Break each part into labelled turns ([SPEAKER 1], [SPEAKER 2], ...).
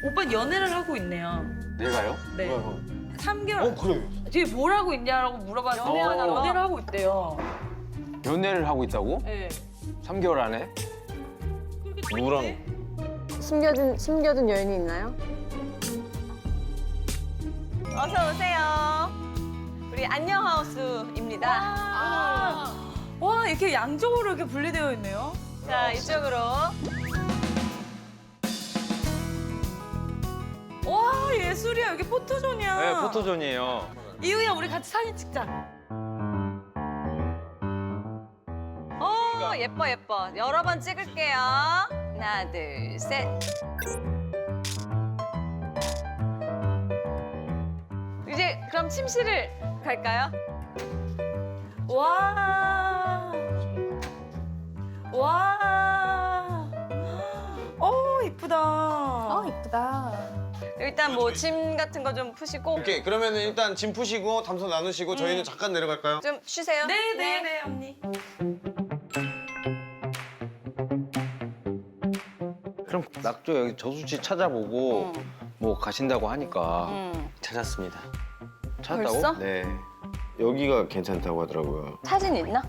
[SPEAKER 1] 오빠 연애를 하고 있네요.
[SPEAKER 2] 내가요?
[SPEAKER 1] 네.
[SPEAKER 2] 뭐야,
[SPEAKER 1] 3개월.
[SPEAKER 2] 그래요.
[SPEAKER 1] 뒤에 뭘 하고 있냐라고 물어봤는데 연애를 하고 있대요.
[SPEAKER 2] 연애를 하고 있다고?
[SPEAKER 1] 네.
[SPEAKER 2] 3개월 안에? 누구랑?
[SPEAKER 3] 숨겨둔 여인이 있나요?
[SPEAKER 4] 어서 오세요. 우리 안녕하우스입니다.
[SPEAKER 1] 와 이렇게 양쪽으로 이렇게 분리되어 있네요.
[SPEAKER 4] 자, 이쪽으로.
[SPEAKER 1] 와 예술이야. 여기 포토존이야.
[SPEAKER 2] 네, 포토존이에요.
[SPEAKER 1] 이유야 우리 같이 사진 찍자.
[SPEAKER 4] 예뻐, 예뻐. 여러 번 찍을게요. 하나, 둘, 셋. 이제 그럼 침실을 갈까요?
[SPEAKER 1] 와. 와. 이쁘다.
[SPEAKER 3] 이쁘다.
[SPEAKER 4] 일단 뭐 짐 같은 거 좀 푸시고
[SPEAKER 5] 오케이, 그러면 일단 짐 푸시고 담소 나누시고 저희는 잠깐 내려갈까요?
[SPEAKER 4] 좀 쉬세요.
[SPEAKER 1] 네네네 언니.
[SPEAKER 2] 그럼 낙조 여기 저수지 찾아보고 뭐 가신다고 하니까
[SPEAKER 5] 찾았습니다.
[SPEAKER 2] 찾았다고?
[SPEAKER 4] 벌써?
[SPEAKER 5] 네. 여기가 괜찮다고 하더라고요.
[SPEAKER 4] 사진 있나?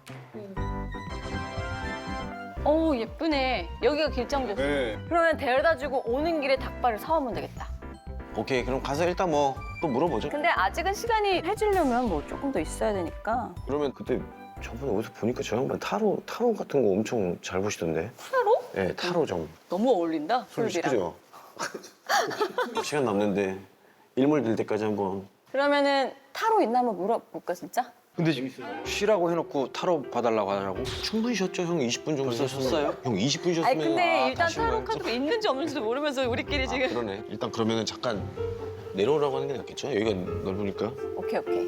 [SPEAKER 4] 오, 예쁘네. 여기가 길정조수.
[SPEAKER 5] 네.
[SPEAKER 4] 그러면 데려다주고 오는 길에 닭발을 사오면 되겠다.
[SPEAKER 5] 오케이, 그럼 가서 일단 뭐 또 물어보죠.
[SPEAKER 4] 근데 아직은 시간이 해주려면 뭐 조금 더 있어야 되니까.
[SPEAKER 5] 그러면 그때 저번에 어디서 보니까 저 양반 타로 같은 거 엄청 잘 보시던데.
[SPEAKER 4] 타로?
[SPEAKER 5] 네, 타로 좀.
[SPEAKER 4] 너무 어울린다,
[SPEAKER 5] 좀
[SPEAKER 4] 술비랑.
[SPEAKER 5] 시키죠. 시간 남는데 일몰 될 때까지 한번.
[SPEAKER 4] 그러면은 타로 있나 한번 물어볼까, 진짜?
[SPEAKER 2] 근데 지금 쉬라고 해놓고 타로 봐달라고 하더라고.
[SPEAKER 5] 충분히 쉬었죠, 형. 20분 정도
[SPEAKER 2] 벌써 쉬었어요?
[SPEAKER 5] 형 20분 쉬었으면.
[SPEAKER 4] 아니, 근데 일단
[SPEAKER 5] 다시
[SPEAKER 4] 타로
[SPEAKER 5] 와야죠.
[SPEAKER 4] 카드가 있는지 없는지도 모르면서 우리끼리 지금.
[SPEAKER 5] 그러네. 일단 그러면은 잠깐 내려오라고 하는 게 낫겠죠? 여기가 넓으니까.
[SPEAKER 4] 오케이, 오케이.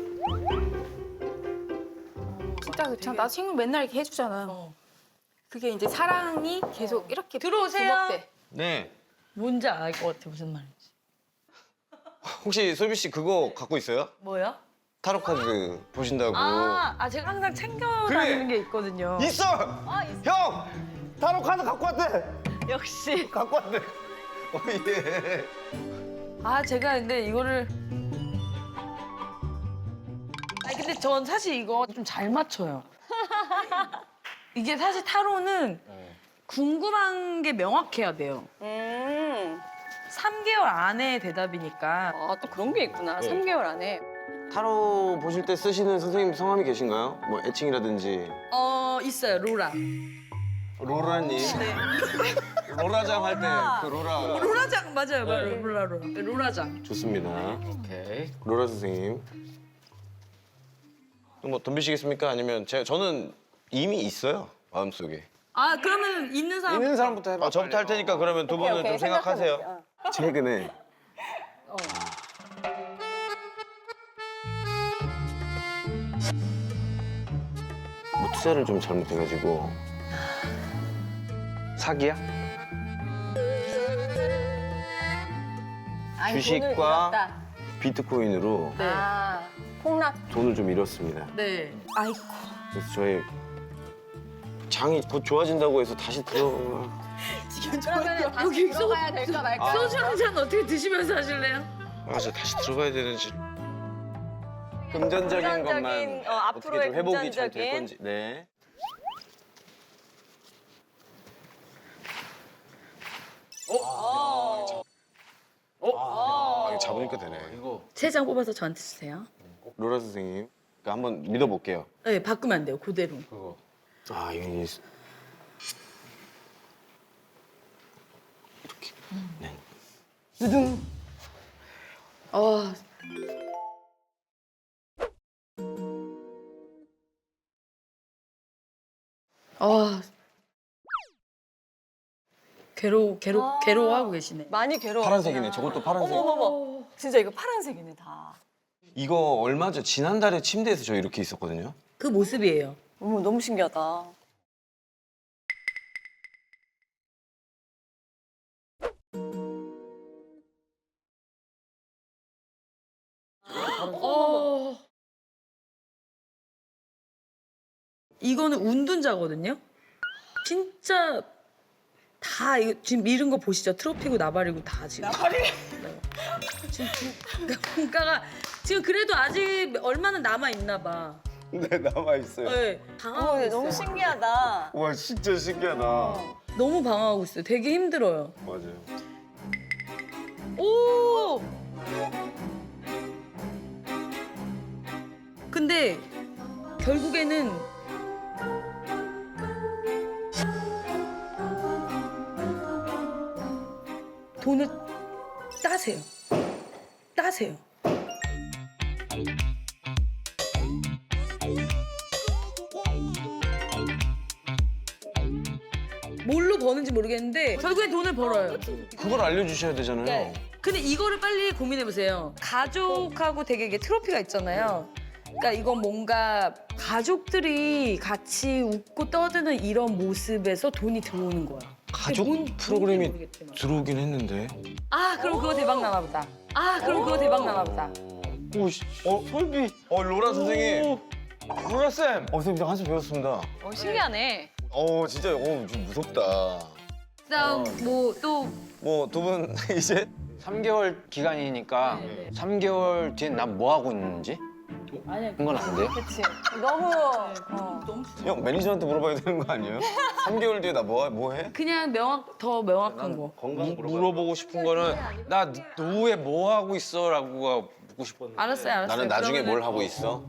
[SPEAKER 6] 진짜 그렇잖아. 나 친구 맨날 이렇게 해주잖아. 그게 이제 사랑이 계속 이렇게
[SPEAKER 1] 들어오세요.
[SPEAKER 6] 부먹대.
[SPEAKER 5] 네.
[SPEAKER 1] 뭔지 알 것 같아 무슨 말인지.
[SPEAKER 5] 혹시 솔비 씨 그거 갖고 있어요?
[SPEAKER 1] 뭐요?
[SPEAKER 5] 타로 카드 보신다고.
[SPEAKER 1] 제가 항상 챙겨 다니는 게 있거든요.
[SPEAKER 5] 있어! 형! 타로 카드 갖고 왔대!
[SPEAKER 4] 역시.
[SPEAKER 5] 갖고 왔대. 예.
[SPEAKER 1] 제가 근데 이거를 근데 전 사실 이거 좀 잘 맞춰요. 이게 사실 타로는 궁금한 게 명확해야 돼요. 3개월 안에 대답이니까.
[SPEAKER 4] 또 그런 게 있구나.
[SPEAKER 5] 네.
[SPEAKER 4] 3개월 안에.
[SPEAKER 5] 타로 보실 때 쓰시는 선생님 성함이 계신가요? 뭐 애칭이라든지.
[SPEAKER 1] 있어요. 로라.
[SPEAKER 5] 로라님.
[SPEAKER 1] 네.
[SPEAKER 5] 로라장 할 때 그 로라.
[SPEAKER 1] 로라장 맞아요. 로라. 네, 로라장.
[SPEAKER 5] 좋습니다.
[SPEAKER 2] 오케이.
[SPEAKER 5] 로라 선생님. 또 뭐 덤비시겠습니까? 아니면 저는 이미 있어요. 마음속에.
[SPEAKER 1] 그러면 있는 사람
[SPEAKER 2] 있는 사람부터 해봐.
[SPEAKER 5] 저부터 할 테니까 그러면 두 분은 좀 생각하세요.
[SPEAKER 4] 생각해볼게요.
[SPEAKER 5] 최근에 뭐 투자를 좀 잘못해가지고
[SPEAKER 2] 사기야?
[SPEAKER 4] 아니,
[SPEAKER 5] 주식과
[SPEAKER 4] 돈을 잃었다.
[SPEAKER 5] 비트코인으로
[SPEAKER 1] 네.
[SPEAKER 4] 폭락.
[SPEAKER 5] 돈을 좀 잃었습니다.
[SPEAKER 1] 네. 아이고.
[SPEAKER 5] 그래서 저희 장이 곧 좋아진다고 해서 다시
[SPEAKER 4] 그러면 다시 들어가야 될까 말까?
[SPEAKER 1] 소주 한 잔 어떻게 드시면서 하실래요?
[SPEAKER 5] 저 다시 들어가야 되는지 금전적인 것만 어떻게
[SPEAKER 4] 앞으로의
[SPEAKER 5] 좀 회복이 잘 될
[SPEAKER 4] 금전적인.
[SPEAKER 5] 건지. 네. 이거 잡으니까 되네.
[SPEAKER 2] 이거
[SPEAKER 1] 세 장 뽑아서 저한테 주세요.
[SPEAKER 5] 로라 선생님, 그러니까 한번 믿어볼게요.
[SPEAKER 1] 네, 바꾸면 안 돼요. 그대로.
[SPEAKER 2] 그거.
[SPEAKER 5] 이게 이렇게. 네.
[SPEAKER 1] 어. 괴로워하고 계시네.
[SPEAKER 4] 많이 괴로워.
[SPEAKER 5] 파란색이네. 저것도 파란색.
[SPEAKER 4] 어머머머. 진짜 이거 파란색이네, 다.
[SPEAKER 5] 이거 얼마 전 지난달에 침대에서 저 이렇게 있었거든요.
[SPEAKER 1] 그 모습이에요.
[SPEAKER 4] 어머, 너무 신기하다.
[SPEAKER 1] 이거는 운둔자거든요. 진짜 다 이거 지금 밀은 거 보시죠? 트로피고 나발이고 다 지금. 나발이? 네. 지금 분가가 지금 그래도 아직 얼마는 남아 있나 봐.
[SPEAKER 5] 네, 남아있어요.
[SPEAKER 1] 네. 방황하고 있어요.
[SPEAKER 4] 너무 신기하다.
[SPEAKER 5] 와, 진짜 신기하다.
[SPEAKER 1] 너무 방황하고 있어요. 되게 힘들어요.
[SPEAKER 5] 맞아요.
[SPEAKER 1] 오! 근데 결국에는 돈을 따세요. 따세요. 뭘로 버는지 모르겠는데 결국엔 돈을 벌어요.
[SPEAKER 5] 그걸 알려주셔야 되잖아요.
[SPEAKER 1] 네. 근데 이거를 빨리 고민해 보세요. 가족하고 되게 이게 트로피가 있잖아요. 그러니까 이건 뭔가 가족들이 같이 웃고 떠드는 이런 모습에서 돈이 들어오는 거야.
[SPEAKER 5] 가족
[SPEAKER 1] 뭔
[SPEAKER 5] 프로그램이
[SPEAKER 1] 모르겠지만.
[SPEAKER 5] 들어오긴 했는데.
[SPEAKER 1] 아 그럼 그거 대박 나나 보다. 아 그럼 그거 대박 나나 보다.
[SPEAKER 5] 오, 설비. 로라 선생님. 로라 쌤. 선생님 저 한수 배웠습니다.
[SPEAKER 4] 신기하네.
[SPEAKER 5] 진짜 좀 무섭다.
[SPEAKER 1] 그다음 뭐 또
[SPEAKER 5] 뭐 두 분 이제
[SPEAKER 2] 3개월 기간이니까 3개월 뒤엔 난 뭐 하고 있는지
[SPEAKER 1] 아니야.
[SPEAKER 2] 그건 안 돼요?
[SPEAKER 4] 그치. 너무
[SPEAKER 1] 너무
[SPEAKER 5] 형 매니저한테 물어봐야 되는 거 아니에요? 3개월 뒤에 나 뭐 해?
[SPEAKER 1] 그냥 더 명확한 거.
[SPEAKER 5] 건강
[SPEAKER 2] 물어보고 싶은 거는 나 노후에 뭐 하고 있어라고 묻고 싶었는데.
[SPEAKER 1] 알았어요.
[SPEAKER 5] 나는 나중에
[SPEAKER 1] 그러면은
[SPEAKER 5] 뭘 하고 있어?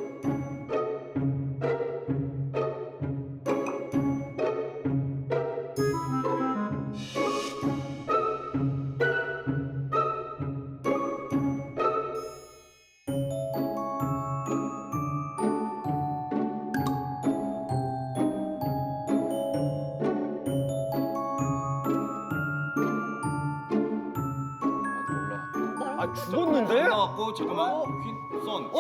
[SPEAKER 2] 아 죽었는데?
[SPEAKER 5] 나왔고 잠깐만. 선.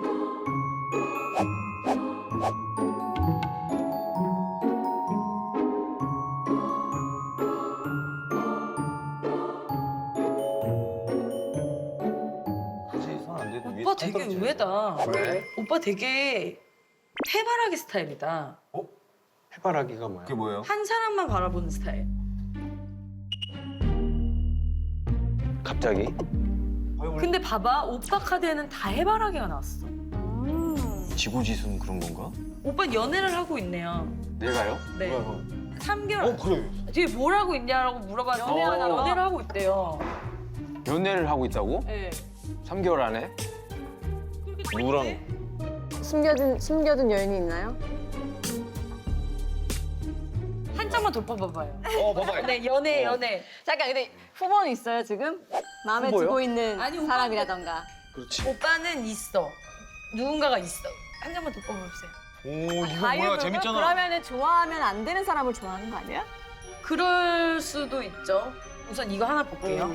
[SPEAKER 1] 오빠 되게 의외다.
[SPEAKER 5] 왜?
[SPEAKER 1] 오빠 되게 해바라기 스타일이다.
[SPEAKER 2] 해바라기가 뭐야?
[SPEAKER 5] 그게 뭐예요?
[SPEAKER 1] 한 사람만 바라보는 스타일.
[SPEAKER 2] 갑자기?
[SPEAKER 1] 근데 봐봐, 오빠 카드에는 다 해바라기가 나왔어.
[SPEAKER 5] 지고지순 그런 건가?
[SPEAKER 1] 오빠 연애를 하고 있네요.
[SPEAKER 2] 내가요?
[SPEAKER 1] 네. 3개월.
[SPEAKER 5] 그래.
[SPEAKER 1] 뒤에 뭘 하고 있냐라고 물어봤는데 연애를 하고 있대요.
[SPEAKER 2] 연애를 하고 있다고?
[SPEAKER 1] 네.
[SPEAKER 2] 3개월 안에?
[SPEAKER 5] 누구랑?
[SPEAKER 3] 숨겨둔 여인이 있나요?
[SPEAKER 1] 한 장만 더 뽑아봐요.
[SPEAKER 5] 봐봐.
[SPEAKER 1] 네, 연애.
[SPEAKER 4] 잠깐 근데 후보는 있어요 지금? 마음에
[SPEAKER 2] 후보요?
[SPEAKER 4] 두고 있는
[SPEAKER 1] 아니,
[SPEAKER 4] 사람이라던가.
[SPEAKER 5] 그렇지.
[SPEAKER 1] 오빠는 있어. 누군가가 있어. 한 장만 더 뽑아보세요.
[SPEAKER 5] 오, 이거
[SPEAKER 4] 과일burger? 그러면은 좋아하면 안 되는 사람을 좋아하는 거 아니야?
[SPEAKER 1] 그럴 수도 있죠. 우선 이거 하나 볼게요.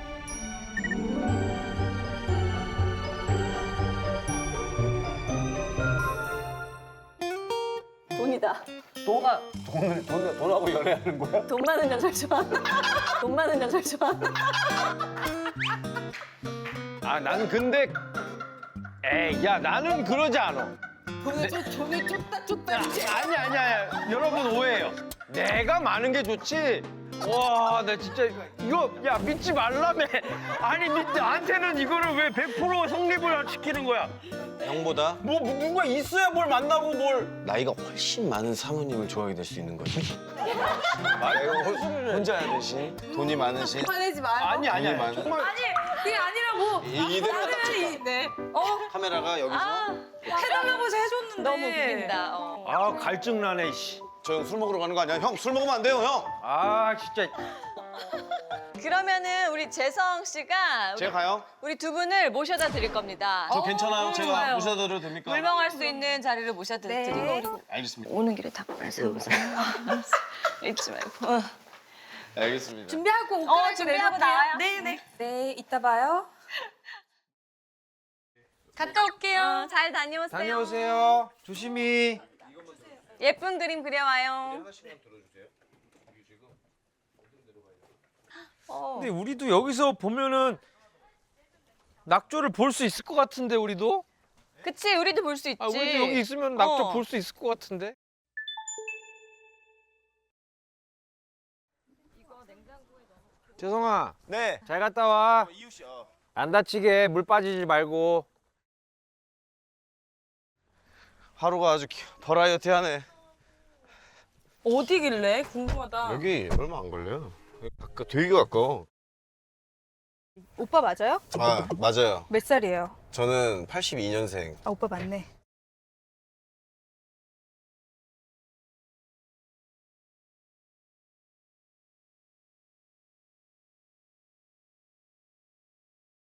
[SPEAKER 4] 돈이다.
[SPEAKER 1] 뭐가
[SPEAKER 5] 돈하고 연애하는 거야?
[SPEAKER 4] 돈 많은 여자를 좋아한다. 돈 많은 여자를 좋아한다.
[SPEAKER 2] 아 나는 근데 에이 야 나는 그러지 않아.
[SPEAKER 1] 돈을 쫓다.
[SPEAKER 2] 아니야. 여러분 오해해요. 내가 많은 게 좋지. 와, 나 진짜 이거 야 믿지 말라며. 아니 나한테는 이거를 왜 100% 성립을 시키는 거야?
[SPEAKER 5] 형보다
[SPEAKER 2] 뭐 누가 있어야 뭘 만나고 뭘?
[SPEAKER 5] 나이가 훨씬 많은 사모님을 좋아하게 될 수 있는 거지. 혼자 하듯이 돈이 많으신.
[SPEAKER 1] 화내지 마요.
[SPEAKER 2] 아니야.
[SPEAKER 5] 돈이 많은.
[SPEAKER 2] 정말
[SPEAKER 1] 그게 아니라고.
[SPEAKER 5] 이대로 딱 찍자.
[SPEAKER 1] 네.
[SPEAKER 5] 카메라가 여기서
[SPEAKER 1] 해달라고 해서 해줬는데.
[SPEAKER 4] 너무 웃긴다.
[SPEAKER 2] 아 갈증 나네. 씨.
[SPEAKER 5] 저 형 술 먹으러 가는 거 아니야? 형 술 먹으면 안 돼요, 형.
[SPEAKER 2] 아 진짜.
[SPEAKER 4] 그러면은 우리 재성 씨가
[SPEAKER 5] 제가 가요.
[SPEAKER 4] 우리 두 분을 모셔다 드릴 겁니다.
[SPEAKER 5] 저 괜찮아요. 제가
[SPEAKER 1] 좋아요.
[SPEAKER 5] 모셔드려도 됩니까?
[SPEAKER 4] 물멍할 수 있는 자리를 모셔다 드리고 그리고
[SPEAKER 5] 알겠습니다.
[SPEAKER 4] 오는 길에 닭발 세우세요. 잊지 말고.
[SPEAKER 5] 알겠습니다.
[SPEAKER 1] 준비하고 옷
[SPEAKER 4] 준비하고 나와요.
[SPEAKER 1] 네네.
[SPEAKER 6] 네, 이따 봐요.
[SPEAKER 1] 갔다 올게요.
[SPEAKER 4] 잘 다녀오세요.
[SPEAKER 2] 다녀오세요. 조심히.
[SPEAKER 4] 예쁜 그림 그려와요.
[SPEAKER 7] 근데 우리도 여기서 보면은 낙조를 볼 수 있을 것 같은데 우리도?
[SPEAKER 4] 그치, 우리도 볼 수 있지.
[SPEAKER 7] 아, 우리도 여기 있으면 낙조
[SPEAKER 4] 어.
[SPEAKER 7] 볼 수 있을 것 같은데? 재성아,
[SPEAKER 5] 네.
[SPEAKER 7] 잘 갔다 와.
[SPEAKER 5] 이유 씨.
[SPEAKER 7] 안 다치게 물 빠지지 말고.
[SPEAKER 5] 하루가 아주 버라이어티하네.
[SPEAKER 1] 어디길래? 궁금하다.
[SPEAKER 8] 여기 얼마 안 걸려요. 되게 가까워.
[SPEAKER 6] 오빠 맞아요?
[SPEAKER 8] 아, 맞아요.
[SPEAKER 6] 몇 살이에요?
[SPEAKER 8] 저는 82년생.
[SPEAKER 6] 아 오빠 맞네.